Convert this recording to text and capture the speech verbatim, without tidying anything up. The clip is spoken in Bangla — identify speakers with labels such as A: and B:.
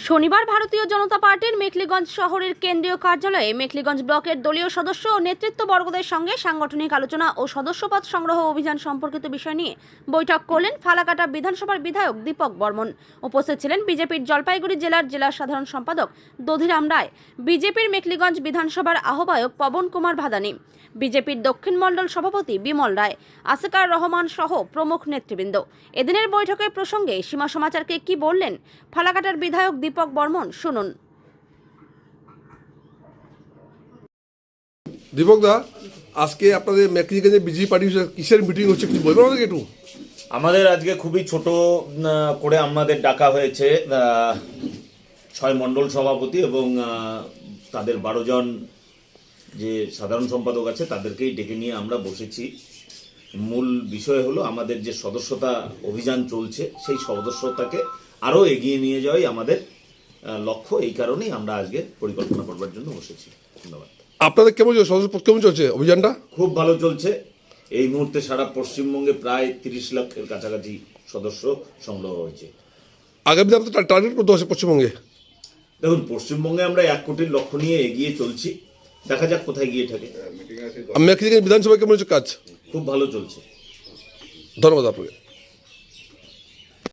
A: শনিবার ভারতীয় জনতা পার্টির মেখলিগঞ্জ শহরের কেন্দ্রীয় কার্যালয়ে মেখলিগঞ্জ ব্লকের দলীয় সদস্য ও নেতৃত্ববর্গদের সঙ্গে সাংগঠনিক আলোচনা ও সদস্যপদ সংগ্রহ অভিযান সম্পর্কিত বিষয় নিয়ে বৈঠক করলেন ফালাকাটা বিধানসভার বিধায়ক দীপক বর্মন। উপস্থিত ছিলেন বিজেপির জলপাইগুড়ি জেলার জেলা সাধারণ সম্পাদক দধিরাম রায়, বিজেপির মেখলিগঞ্জ বিধানসভার আহ্বায়ক পবন কুমার ভাদানি, বিজেপির দক্ষিণ মণ্ডল সভাপতি বিমল রায়, আসিকার রহমান সহ প্রমুখ নেতৃবৃন্দ। এদিনের বৈঠকের প্রসঙ্গে সীমা সমাচারকে কি বললেন ফালাকাটার বিধায়ক দীপক বর্মন, শুনুন।
B: দীপক দা, আজকে আপনাদের মেখলিগঞ্জে বিজেপি পার্টির কিসের মিটিং হচ্ছে, কি বলবেন আমাদেরকে একটু?
C: আমাদের আজকে খুবই ছোট করে আমাদের ডাকা হয়েছে ছয় মণ্ডল সভাপতি এবং তাদের বারো জন যে সাধারণ সম্পাদক আছে তাদেরকেই ডেকে নিয়ে আমরা বসেছি। মূল বিষয় হলো আমাদের যে সদস্যতা অভিযান চলছে সেই সদস্যতাকে আরও এগিয়ে নিয়ে যাওয়াই আমাদের লক্ষ্য। এই কারণেই আমরা আজকে পরিকল্পনা করবার জন্য বসেছি। ধন্যবাদ।
B: আপনাদের কেমন সদস্য কেমন চলছে অভিযানটা?
C: খুব ভালো চলছে। এই মুহূর্তে সারা পশ্চিমবঙ্গে প্রায় তিরিশ লক্ষের কাছাকাছি সদস্য সংগ্রহ হয়েছে।
B: আগামী দিনে আপনাদের টার্গেট করতে হচ্ছে পশ্চিমবঙ্গে?
C: দেখুন, পশ্চিমবঙ্গে আমরা এক কোটির লক্ষ্য নিয়ে এগিয়ে চলছি, দেখা যাক কোথায় গিয়ে থাকে।
B: মেখলিগঞ্জ বিধানসভা কেমন হচ্ছে কাজ?
C: খুব ভালো চলছে।
B: ধন্যবাদ আপনাকে।